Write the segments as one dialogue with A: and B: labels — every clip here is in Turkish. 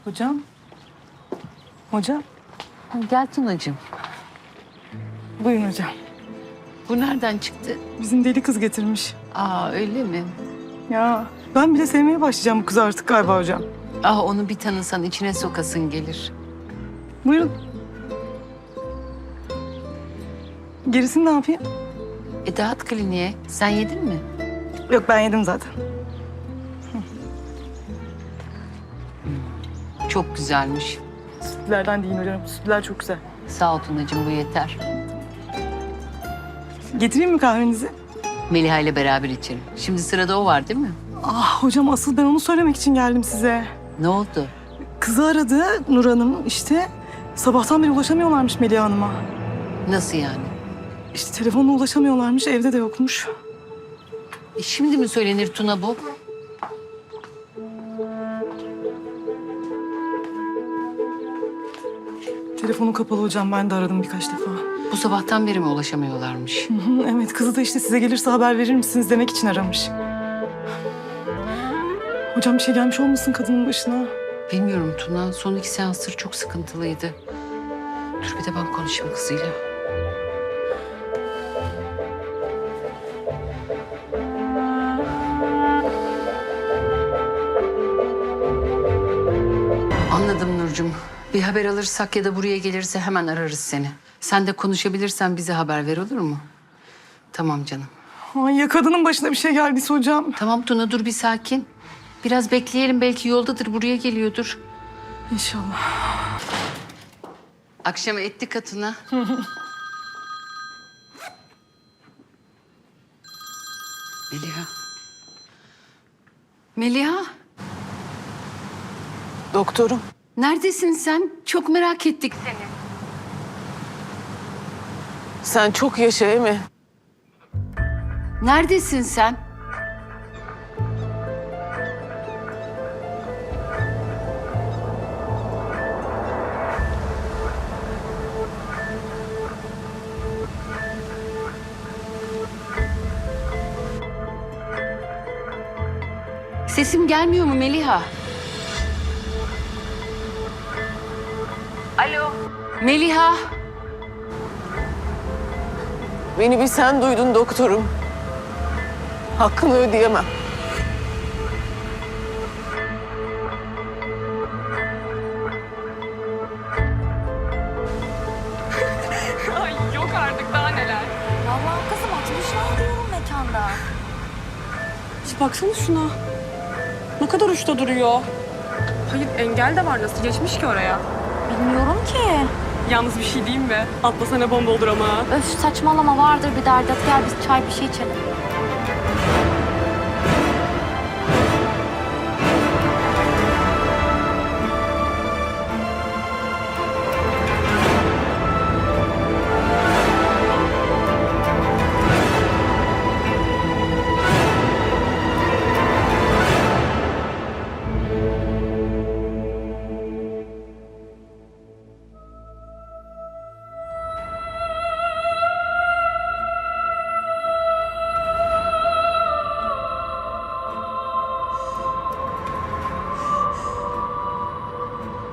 A: Hocam. Hocam.
B: Gel Tunacığım.
A: Buyurun hocam.
B: Bu nereden çıktı?
A: Bizim deli kız getirmiş.
B: Aa öyle mi?
A: Ya ben bile sevmeye başlayacağım bu kızı artık galiba hocam.
B: Ah onu bir tanısan içine sokasın gelir.
A: Buyurun. Gerisini ne yapayım?
B: Dağıt kliniğe. Sen yedin mi?
A: Yok ben yedim zaten.
B: Çok güzelmiş.
A: Sütlerden değil hocam. Sütler çok güzel.
B: Sağ ol Tunacığım bu yeter.
A: Getireyim mi kahvenizi?
B: Meliha ile beraber içelim. Şimdi sırada o var değil mi?
A: Ah hocam asıl ben onu söylemek için geldim size.
B: Ne oldu?
A: Kızı aradı Nur Hanım işte. Sabahtan beri ulaşamıyorlarmış Melih Hanım'a.
B: Nasıl yani?
A: İşte telefonla ulaşamıyorlarmış, evde de yokmuş.
B: Şimdi mi söylenir Tuna bu?
A: Telefonu kapalı hocam, ben de aradım birkaç defa.
B: Bu sabahtan beri mi ulaşamıyorlarmış?
A: Hı hı, evet, kızı da işte size gelirse haber verir misiniz demek için aramış. Hocam bir şey gelmiş olmasın kadının başına?
B: Bilmiyorum Tuna. Son 2 seansları çok sıkıntılıydı. Dur bir de ben konuşayım kızıyla. Anladım Nurcuğum. Bir haber alırsak ya da buraya gelirse hemen ararız seni. Sen de konuşabilirsen bize haber ver olur mu? Tamam canım.
A: Ay ya kadının başına bir şey geldiyse hocam.
B: Tamam Tuna dur bir sakin. Biraz bekleyelim belki yoldadır buraya geliyordur.
A: İnşallah.
B: Akşama etti katına. Meliha. Meliha.
C: Doktorum.
B: Neredesin sen? Çok merak ettik seni.
C: Sen çok yaşa Emi.
B: Neredesin sen? Sesim gelmiyor mu Meliha? Alo. Meliha.
C: Beni bir sen duydun doktorum. Hakkını ödeyemem.
D: Ay yok artık daha neler.
E: Vallahi kızım 60'lar diyorum mekanda.
D: Baksana şuna. Ne kadar uçta duruyor. Hayır engel de var nasıl geçmiş ki oraya?
E: Bilmiyorum ki.
D: Yalnız bir şey diyeyim mi? Atlasana bomba olur ama.
E: Öf saçmalama vardır bir derdi. Hadi gel biz çay bir şey içelim.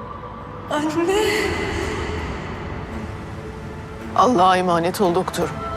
C: Allah'a emanet ol doktorum.